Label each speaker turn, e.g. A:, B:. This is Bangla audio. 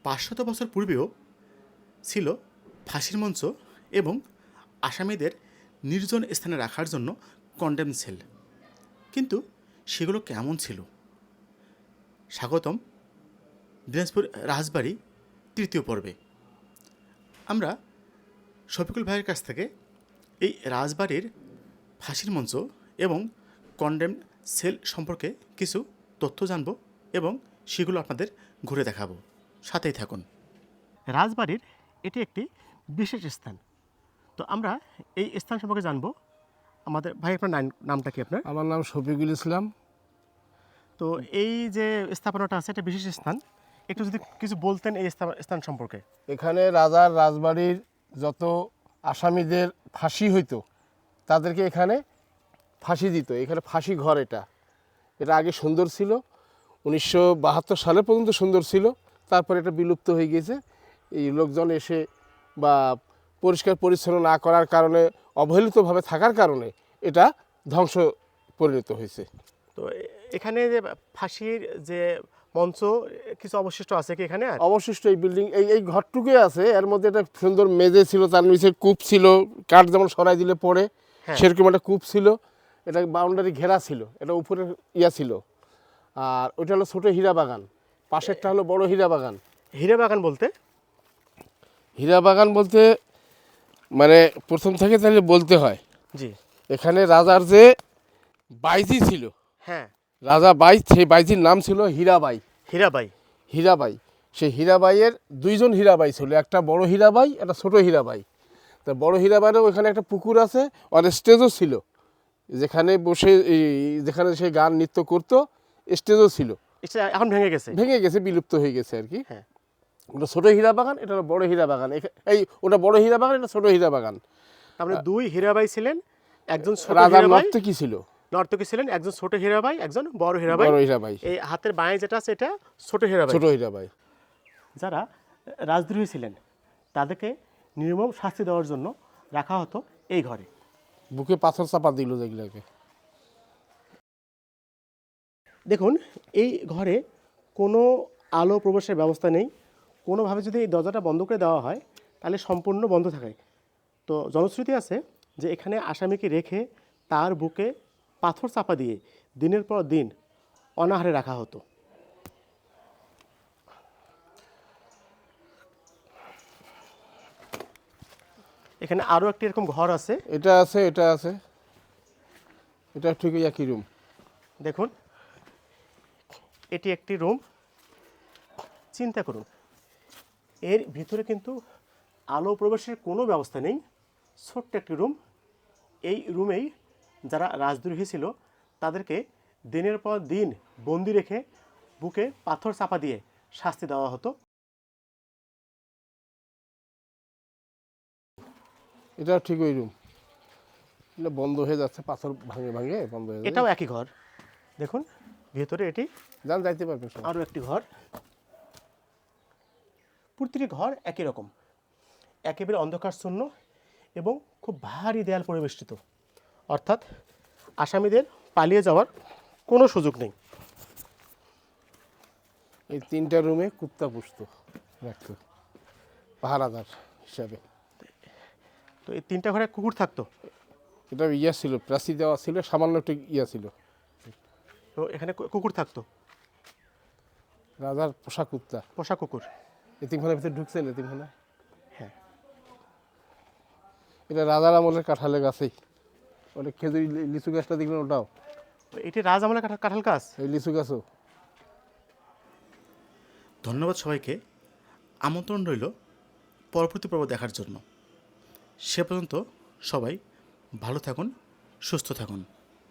A: 500 বছর পূর্বেও ছিল ফাঁসির মঞ্চ এবং আসামিদের নির্জন স্থানে রাখার জন্য কন্ডেম সেল। কিন্তু সেগুলো কেমন ছিল? স্বাগতম দিনাজপুর রাজবাড়ি তৃতীয় পর্বে। আমরা শফিকুল ভাইয়ের কাছ থেকে এই রাজবাড়ির ফাঁসির মঞ্চ এবং কন্ডেম সেল সম্পর্কে কিছু তথ্য জানব এবং সেগুলো আপনাদের ঘুরে দেখাবো। সাথেই থাকুন। রাজবাড়ির এটি একটি বিশেষ স্থান। তো আমরা এই স্থান সম্পর্কে জানবো। আমাদের ভাই, আপনার নামটা কি? আপনার?
B: আমার নাম শফিকুল ইসলাম।
A: তো এই যে স্থাপনাটা আছে, এটা বিশেষ স্থান, একটু যদি কিছু বলতেন এই স্থান সম্পর্কে।
B: এখানে রাজার রাজবাড়ির যত আসামিদের ফাঁসি হইতো তাদেরকে এখানে ফাঁসি দিত। এখানে ফাঁসি ঘর। এটা আগে সুন্দর ছিল, 1972 সালে পর্যন্ত সুন্দর ছিল। তারপর এটা বিলুপ্ত হয়ে গেছে। এই লোকজন এসে বা পরিষ্কার পরিচ্ছন্ন না করার কারণে, অবহেলিতভাবে থাকার কারণে এটা ধ্বংস পরিণত হয়েছে।
A: তো এখানে যে ফাঁসির যে মঞ্চ কিছু অবশিষ্ট আছে কি এখানে?
B: অবশিষ্ট এই বিল্ডিং এই ঘরটুকুই আছে। এর মধ্যে একটা সুন্দর মেঝে ছিল, তার নিচে কূপ ছিল, কাঠ যেমন সরাই দিলে পড়ে সেরকম একটা কূপ ছিল। এটা বাউন্ডারি ঘেরা ছিল, এটা উপরে ছিল। আর ওইটা হলো ছোটো হীরা বাগান, পাশেরটা হলো বড় হীরা বাগান।
A: হীরা বাগান বলতে?
B: হীরা বাগান বলতে মানে প্রথম থেকে তাহলে বলতে হয়,
A: জি,
B: এখানে রাজার যে বাইজি ছিল,
A: হ্যাঁ,
B: রাজা বাই, সেই বাইজির নাম ছিল হীরাবাই।
A: হীরাবাই।
B: হীরাবাই, সেই হীরাবাইয়ের দুইজন হীরাবাই ছিল, একটা বড় হীরাবাই, একটা ছোটো হীরাবাই। তা বড় হীরাবাইয়ের ওইখানে একটা পুকুর আছে, আর স্টেজও ছিল, যেখানে বসে যেখানে সে গান নৃত্য করতো, স্টেজও ছিল।
A: এখন ভেঙে গেছে,
B: বিলুপ্ত হয়ে গেছে আর কি।
A: হ্যাঁ,
B: ওটা ছোটো হীরা বাগান, এটা হলো বড় হীরা বাগান। ওটা বড় হীরা বাগান, এটা ছোটো হীরা বাগান।
A: আপনি দুই হীরাবাই ছিলেন, একজন ছোট
B: রাজার
A: হীরাবাই
B: নর্তকী ছিল,
A: নর্তকী ছিলেন, একজন ছোট হীরাবাই, একজন বড় হীরাবাই। এই হাতের বাঁয়ে যেটা আছে এটা ছোট হীরাবাই। যারা রাজদ্রোহী ছিলেন তাদেরকে নির্মম শাস্তি দেওয়ার জন্য রাখা হতো এই ঘরে।
B: বুকে পাথর চাপা দিল যেগুলোকে।
A: দেখুন, এই ঘরে কোনো আলো প্রবেশের ব্যবস্থা নেই। কোনোভাবে যদি এই দরজাটা বন্ধ করে দেওয়া হয় তাহলে সম্পূর্ণ বন্ধ থাকে। তো জনশ্রুতি আছে যে এখানে আসামিকে রেখে তার বুকে পাথর চাপা দিয়ে দিনের পর দিন অনাহারে রাখা হতো। এখানে আরও একটি এরকম ঘর আছে।
B: এটা আছে, এটা ঠিক একই রুম।
A: দেখুন, এটি একটি রুম। চিন্তা করুন, এর ভিতরে কিন্তু আলো প্রবেশের কোনো ব্যবস্থা নেই, ছোট্ট একটি রুম। এই রুমেই যারা রাজদ্রোহী ছিল তাদেরকে দিনের পর দিন বন্দি রেখে বুকে পাথর চাপা দিয়ে শাস্তি দেওয়া হতো।
B: এটা ঠিক ওই রুম। এটা বন্ধ হয়ে যাচ্ছে, পাথর ভাঙে বন্ধ হয়ে যাচ্ছে।
A: এটাও একই ঘর। দেখুন ভেতরে এটি
B: যাইতে পারবেন।
A: আরও একটি ঘর। প্রতিটি ঘর একই রকম, একেবারে অন্ধকারশূন্য এবং খুব ভারী দেয়াল পরিবেষ্টিত। অর্থাৎ আসামিদের পালিয়ে যাওয়ার কোনো সুযোগ নেই।
B: এই 3টা রুমে কুত্তা পুষতো, রাখতো পাহারাদার হিসাবে।
A: তো এই 3টা ঘরে কুকুর থাকতো।
B: এটা ছিল, প্রাচী দেওয়া ছিল, সামান্য একটু ছিল।
A: তো এখানে কুকুর থাকতো,
B: রাজার পোষা কুকুর। এতিমখানার ভিতরে ঢুকছেন? এতিমখানা,
A: হ্যাঁ।
B: এটা রাজার আমলের কাঁঠালের গাছেই, ওটা খেজুরি লিচু গাছটা দেখলেন, ওটাও
A: এটি রাজ আমলের কাঁঠাল গাছ।
B: এই লিচু গাছও।
A: ধন্যবাদ সবাইকে। আমন্ত্রণ রইল পরবর্তী পর্ব দেখার জন্য। সে পর্যন্ত সবাই ভালো থাকুন, সুস্থ থাকুন।